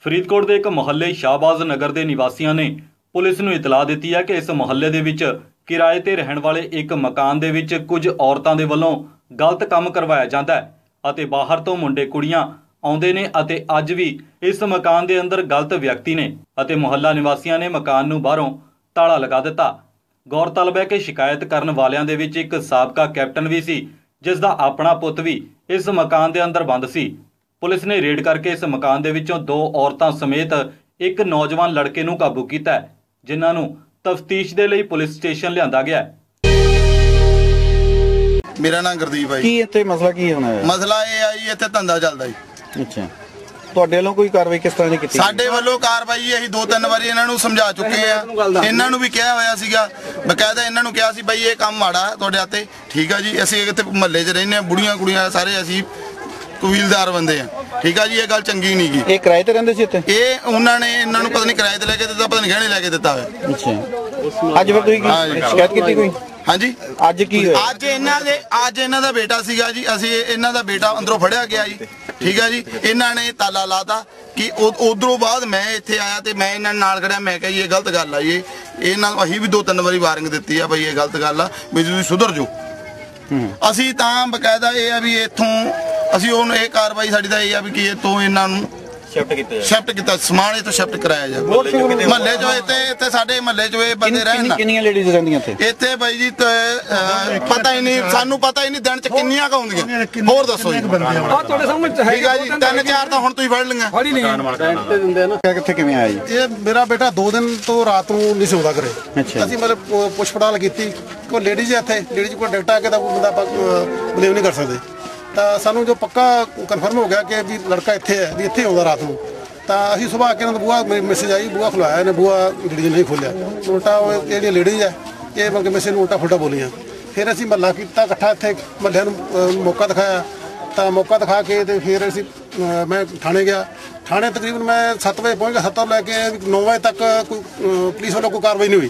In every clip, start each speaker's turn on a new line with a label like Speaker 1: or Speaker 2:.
Speaker 1: ਫਰੀਦਕੋਟ ਦੇ ਇੱਕ ਮੁਹੱਲੇ ਸ਼ਾਹਬਾਜ਼ ਨਗਰ ਦੇ ਨਿਵਾਸੀਆਂ ਨੇ ਪੁਲਿਸ ਨੂੰ ਇਤਲਾਹ ਦਿੱਤੀ ਹੈ ਕਿ ਇਸ ਮੁਹੱਲੇ ਦੇ ਵਿੱਚ ਕਿਰਾਏ ਤੇ ਰਹਿਣ ਵਾਲੇ ਇੱਕ ਮਕਾਨ ਦੇ ਵਿੱਚ ਕੁਝ ਔਰਤਾਂ ਦੇ ਵੱਲੋਂ ਗਲਤ ਕੰਮ ਕਰਵਾਇਆ ਜਾਂਦਾ ਹੈ ਅਤੇ ਬਾਹਰ ਤੋਂ ਮੁੰਡੇ ਕੁੜੀਆਂ ਆਉਂਦੇ ਨੇ ਅਤੇ ਅੱਜ ਵੀ ਇਸ ਮਕਾਨ ਦੇ ਅੰਦਰ ਗਲਤ ਵਿਅਕਤੀ ਨੇ ਅਤੇ ਮੁਹੱਲਾ ਨਿਵਾਸੀਆਂ ਨੇ ਮਕਾਨ ਨੂੰ ਬਾਹਰੋਂ ਤਾਲਾ ਲਗਾ ਦਿੱਤਾ। ਗੌਰਤਲਬ ਹੈ ਕਿ ਸ਼ਿਕਾਇਤ ਕਰਨ ਵਾਲਿਆਂ ਦੇ ਵਿੱਚ ਇੱਕ ਸਾਬਕਾ ਕੈਪਟਨ ਵੀ ਸੀ ਜਿਸ ਦਾ ਆਪਣਾ ਪੁੱਤ ਵੀ ਇਸ ਮਕਾਨ ਦੇ ਅੰਦਰ ਬੰਦ ਸੀ। ਪੁਲਿਸ ਨੇ ਰੇਡ करके इस मकान दे विचों 2 औरतां समेत एक नौजवान लड़के नूं काबू कीता है, जिन्हां नूं तफ्तीश दे लई पुलिस स्टेशन लिआंदा गया है।
Speaker 2: मेरा नाम गुरदीप है।
Speaker 3: की इत्थे मसला की होना है?
Speaker 2: मसला ये है जी इत्थे धंधा चलदा जी।
Speaker 3: अच्छा, ਤੁਹਾਡੇ ਵੱਲੋਂ ਕੋਈ ਕਾਰਵਾਈ ਕਿਸ ਤਰ੍ਹਾਂ ਦੀ ਕੀਤੀ?
Speaker 2: ਸਾਡੇ ਵੱਲੋਂ ਕਾਰਵਾਈ ਅਸੀਂ 2-3 ਵਾਰੀ ਇਹਨਾਂ ਨੂੰ ਸਮਝਾ ਚੁੱਕੇ ਆ। ਇਹਨਾਂ ਨੂੰ ਵੀ ਕਿਹਾ ਹੋਇਆ ਸੀਗਾ, ਬਕਾਇਦਾ ਇਹਨਾਂ ਨੂੰ ਕਿਹਾ ਸੀ ਬਈ ਇਹ ਕੰਮ ਮਾੜਾ ਤੁਹਾਡੇ ਹੱਥੇ, ਠੀਕ ਆ ਜੀ। ਅਸੀਂ ਇੱਥੇ ਮਹੱਲੇ 'ਚ ਰਹਿੰਦੇ ਆ, ਬੁੜੀਆਂ ਕੁੜੀਆਂ ਸਾਰੇ ਅਸੀਂ ਕਬੀਲਦਾਰ ਬੰਦੇ ਆ, ਠੀਕ ਆ ਜੀ। ਇਹ ਗੱਲ ਚੰਗੀ ਨਹੀਂ ਗੀ।
Speaker 3: ਇਹ ਕਿਰਾਏ ਤੇ ਰਹਿੰਦੇ ਸੀ ਇੱਥੇ?
Speaker 2: ਇਹ ਉਹਨਾਂ ਨੇ ਇਹਨਾਂ ਨੂੰ ਪਤਾ ਨਹੀਂ ਕਿਰਾਏ ਤੇ ਲੈ ਕੇ ਦਿੱਤਾ, ਪਤਾ ਨਹੀਂ ਗਹਿਣੇ ਲੈ ਕੇ ਦਿੱਤਾ ਹੋਇਆ।
Speaker 3: ਅੱਛਾ, ਅੱਜ ਫਿਰ ਤੁਸੀਂ ਸ਼ਿਕਾਇਤ ਕੀਤੀ ਕੋਈ?
Speaker 2: ਹਾਂਜੀ,
Speaker 3: ਅੱਜ ਕੀ ਹੋਇਆ?
Speaker 2: ਅੱਜ ਇਹਨਾਂ ਦਾ ਬੇਟਾ ਸੀਗਾ ਜੀ। ਅਸੀਂ ਇਹਨਾਂ ਦਾ ਬੇਟਾ ਅੰਦਰੋਂ ਫੜਿਆ ਗਿਆ ਜੀ, ਠੀਕ ਹੈ ਜੀ। ਇਹਨਾਂ ਨੇ ਤਾਲਾ ਲਾਤਾ ਕਿ ਉਧਰੋਂ ਬਾਅਦ ਮੈਂ ਇੱਥੇ ਆਇਆ ਤੇ ਮੈਂ ਇਹਨਾਂ ਨਾਲ ਖੜਿਆ। ਮੈਂ ਕਿਹਾ ਜੀ ਇਹ ਗਲਤ ਗੱਲ ਆ ਜੀ। ਇਹਨਾਂ ਨੂੰ ਅਸੀਂ ਵੀ 2-3 ਵਾਰੀ ਵਾਰਨਿੰਗ ਦਿੱਤੀ ਆ ਬਈ ਇਹ ਗਲਤ ਗੱਲ ਆ, ਵੀ ਤੁਸੀਂ ਸੁਧਰ ਜਾਓ। ਅਸੀਂ ਤਾਂ ਬਕਾਇਦਾ ਇਹ ਆ ਵੀ ਇੱਥੋਂ ਅਸੀਂ ਉਹਨੂੰ ਇਹ ਕਾਰਵਾਈ ਸਾਡੀ ਤਾਂ ਇਹ ਆ ਵੀ ਕਿ ਇੱਥੋਂ ਇਹਨਾਂ ਨੂੰ शिफ्ट किया, समान इत्थों शिफ्ट कराया जाए। महल्ले जो इत्थे साडे महल्ले जो बंदे रहन ना,
Speaker 3: किन्नियां लेडीज रहंदियां
Speaker 2: इत्थे भाई जी पता ही नहीं, सानू पता ही नहीं दिन च किन्नियां क होंदियां। होर दसो जी। आ तुहाडे सामने ठीक है जी, 3-4 ਤਾਂ ਹੁਣ ਤੁਸੀਂ ਫੜ ਲਈਆਂ। ਫੜ ਹੀ ਲਈਆਂ।
Speaker 3: ਕਿੱਥੇ ਕਿਵੇਂ ਆਇਆ ਜੀ?
Speaker 4: ਇਹ ਮੇਰਾ ਬੇਟਾ 2 ਦਿਨ ਤੋਂ ਰਾਤ ਨੂੰ ਨਹੀਂ ਸੌਂਦਾ ਘਰੇ। ਅਸੀਂ ਮਤਲਬ ਪੁੱਛ ਪੜਤਾਲ ਕੀਤੀ, ਕੋਈ ਲੇਡੀਜ਼ ਇੱਥੇ ਲੇਡੀਜ਼ ਕੋਲ ਡਾਟਾ ਆ ਕੇ ਤਾਂ ਬੰਦਾ ਬਲੀਵ ਨਹੀਂ ਕਰ ਸਕਦੇ। ਤਾਂ ਸਾਨੂੰ ਜੋ ਪੱਕਾ ਕਨਫਰਮ ਹੋ ਗਿਆ ਕਿ ਵੀ ਲੜਕਾ ਇੱਥੇ ਹੈ, ਵੀ ਇੱਥੇ ਆਉਂਦਾ ਰਾਤ ਨੂੰ। ਤਾਂ ਅਸੀਂ ਸੁਬਾਹ ਆ ਕੇ ਇਹਨਾਂ ਦਾ ਬੂਹਾ ਮੈਸੇਜ ਆਈ, ਬੂਹਾ ਖੁਲਾਇਆ, ਇਹਨੇ ਬੂਹਾ ਲੇਡੀਜ਼ ਨਹੀਂ ਖੋਲ੍ਹਿਆ। ਉਲਟਾ ਉਹ ਜਿਹੜੀਆਂ ਲੇਡੀਜ਼ ਹੈ ਇਹ ਮਤਲਬ ਮੈਸੇਜ ਨੂੰ ਉਲਟਾ ਫੁਲਟਾ ਬੋਲੀਆਂ। ਫਿਰ ਅਸੀਂ ਮਹੱਲਾ ਕੀਤਾ ਇਕੱਠਾ, ਇੱਥੇ ਮਹੱਲਿਆਂ ਨੂੰ ਮੌਕਾ ਦਿਖਾਇਆ। ਤਾਂ ਮੌਕਾ ਦਿਖਾ ਕੇ ਤੇ ਫਿਰ ਅਸੀਂ ਮੈਂ ਥਾਣੇ ਗਿਆ। ਥਾਣੇ ਤਕਰੀਬਨ ਮੈਂ 7 ਵਜੇ ਪਹੁੰਚ ਗਿਆ। 7 ਤੋਂ ਲੈ ਕੇ 9 ਵਜੇ ਤੱਕ ਕੋਈ ਪੁਲਿਸ ਵੱਲੋਂ ਕੋਈ ਕਾਰਵਾਈ ਨਹੀਂ ਹੋਈ।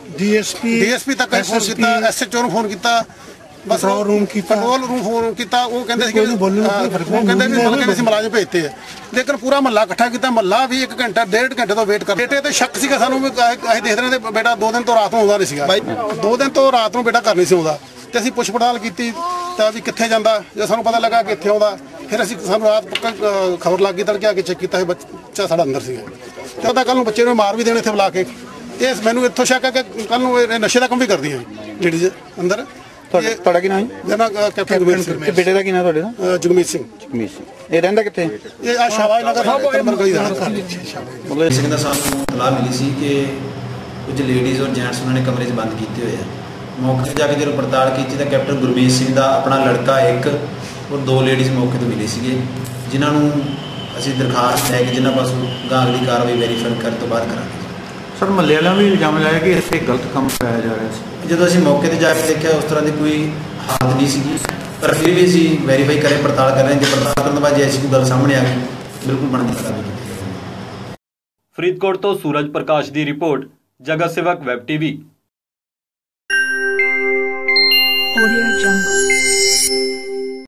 Speaker 4: ਡੀਐਸਪੀ ਤੱਕ ਫੋਨ ਕੀਤਾ, ਐਸਐਚਓ ਨੂੰ ਫੋਨ ਕੀਤਾ, ਬਸ ਕੰਟਰੋਲ ਰੂਮ ਫੋਨ ਕੀਤਾ। ਉਹ ਕਹਿੰਦੇ ਸੀ ਕਿ ਅਸੀਂ ਮੁਲਾਜ਼ਮ ਭੇਜਤੇ ਆ, ਲੇਕਿਨ ਪੂਰਾ ਮਹੱਲਾ ਇਕੱਠਾ ਕੀਤਾ। ਮਹੱਲਾ ਵੀ 1 ਘੰਟਾ 1.5 ਘੰਟੇ ਤੋਂ ਵੇਟ ਕਰ। ਬੇਟੇ ਤੇ ਸ਼ੱਕ ਸੀਗਾ ਸਾਨੂੰ, ਅਸੀਂ ਦੇਖ ਰਹੇ ਹਾਂ ਬੇਟਾ 2 ਦਿਨ ਤੋਂ ਰਾਤ ਨੂੰ ਆਉਂਦਾ ਨਹੀਂ ਸੀਗਾ। 2 ਦਿਨ ਤੋਂ ਰਾਤ ਨੂੰ ਬੇਟਾ ਘਰ ਨਹੀਂ ਸੀ ਆਉਂਦਾ। ਤੇ ਅਸੀਂ ਪੁੱਛ ਪੜਤਾਲ ਕੀਤੀ ਤਾਂ ਵੀ ਕਿੱਥੇ ਜਾਂਦਾ। ਜੇ ਸਾਨੂੰ ਪਤਾ ਲੱਗਾ ਕਿ ਇੱਥੇ ਆਉਂਦਾ, ਫਿਰ ਅਸੀਂ ਸਾਨੂੰ ਰਾਤ ਪੱਕਾ ਖਬਰ ਲੱਗ ਗਈ, ਤੜਕੇ ਆ ਕੇ ਚੈੱਕ ਕੀਤਾ, ਬੱਚਾ ਸਾਡਾ ਅੰਦਰ ਸੀਗਾ। ਤੇ ਉਹਦਾ ਕੱਲ ਨੂੰ ਬੱਚੇ ਨੂੰ ਮਾਰ ਵੀ ਦੇਣੇ ਇੱਥੇ ਬੁਲਾ ਕੇ। ਇਹ ਮੈਨੂੰ ਇੱਥੋਂ ਸ਼ੱਕ ਹੈ ਕਿ ਕੱਲ ਨੂੰ ਇਹ ਨਸ਼ੇ ਦਾ ਕੰਮ ਵੀ ਕਰਦੀਆਂ ਲੇਡੀਜ਼ ਅੰਦਰ।
Speaker 3: ਤੁਹਾਡਾ ਕੀ ਨਾਮ ਹੈ?
Speaker 4: ਮੇਰਾ ਨਾਮ ਕੈਪਟਨ ਗੁਰਮੀਤ ਸਿੰਘ।
Speaker 3: ਤੇ ਬੇਟੇ ਦਾ ਕੀ ਨਾਮ ਤੁਹਾਡੇ ਦਾ?
Speaker 4: ਜਗਮੀਤ ਸਿੰਘ।
Speaker 3: ਜਗਮੀਤ ਸਿੰਘ। ਇਹ ਰਹਿੰਦਾ ਕਿੱਥੇ?
Speaker 4: ਇਹ ਆ ਸ਼ਾਹਬਾਜ਼ ਨਗਰ ਗਲੀ ਦਾ।
Speaker 5: ਮਤਲਬ ਸਿੰਘ ਦਾ ਸਾਨੂੰ ਇਤਲਾਹ ਮਿਲੀ ਸੀ ਕਿ ਕੁਝ ਲੇਡੀਜ਼ ਔਰ ਜੈਂਟਸ ਉਹਨਾਂ ਨੇ ਕਮਰੇ 'ਚ ਬੰਦ ਕੀਤੇ ਹੋਏ ਆ। ਮੌਕੇ 'ਤੇ ਜਾ ਕੇ ਜਦੋਂ ਪੜਤਾਲ ਕੀਤੀ ਤਾਂ ਕੈਪਟਨ ਗੁਰਮੀਤ ਸਿੰਘ ਦਾ ਆਪਣਾ ਲੜਕਾ ਇੱਕ ਔਰ 2 ਲੇਡੀਜ਼ ਮੌਕੇ ਤੋਂ ਮਿਲੇ ਸੀਗੇ, ਜਿਨ੍ਹਾਂ ਨੂੰ ਅਸੀਂ ਦਰਖਾਸਤ ਲੈ ਕੇ ਜਿਨ੍ਹਾਂ ਪਾਸੋਂ ਅਗਲੀ ਕਾਰਵਾਈ ਵੈਰੀਫਾਈ ਕਰਨ ਤੋਂ ਬਾਅਦ ਕਰਾਂਗੇ।
Speaker 3: ਸਰ, ਮਹੱਲੇ ਵਾਲਿਆਂ ਵੀ ਇਲਜ਼ਾਮ ਲਾਇਆ ਕਿ ਇੱਥੇ ਗਲਤ ਕੰਮ ਕਰਾਇਆ ਜਾ ਰਿਹਾ ਸੀ।
Speaker 5: ਜਦੋਂ ਅਸੀਂ ਮੌਕੇ ਤੇ ਜਾ ਕੇ ਦੇਖਿਆ ਉਸ ਤਰ੍ਹਾਂ ਦੀ ਕੋਈ ਹਾਲਤ ਨਹੀਂ ਸੀਗੀ, ਪਰ ਫਿਰ ਵੀ ਅਸੀਂ ਵੈਰੀਫਾਈ ਕਰੇ, ਪੜਤਾਲ ਕਰ ਰਹੇ ਹਾਂ। ਜੇ ਪੜਤਾਲ ਕਰਨ ਤੋਂ ਬਾਅਦ ਜੇ ਐਸੀ ਕੋਈ ਗੱਲ ਸਾਹਮਣੇ ਆ ਗਈ, ਬਿਲਕੁਲ ਬਣਦੀ ਕਾਰਵਾਈ ਕੀਤੀ ਜਾਵੇਗੀ।
Speaker 1: ਫਰੀਦਕੋਟ ਤੋਂ ਸੂਰਜ ਪ੍ਰਕਾਸ਼ ਦੀ ਰਿਪੋਰਟ, ਜਗਤ ਸੇਵਕ ਵੈਬ ਟੀਵੀ।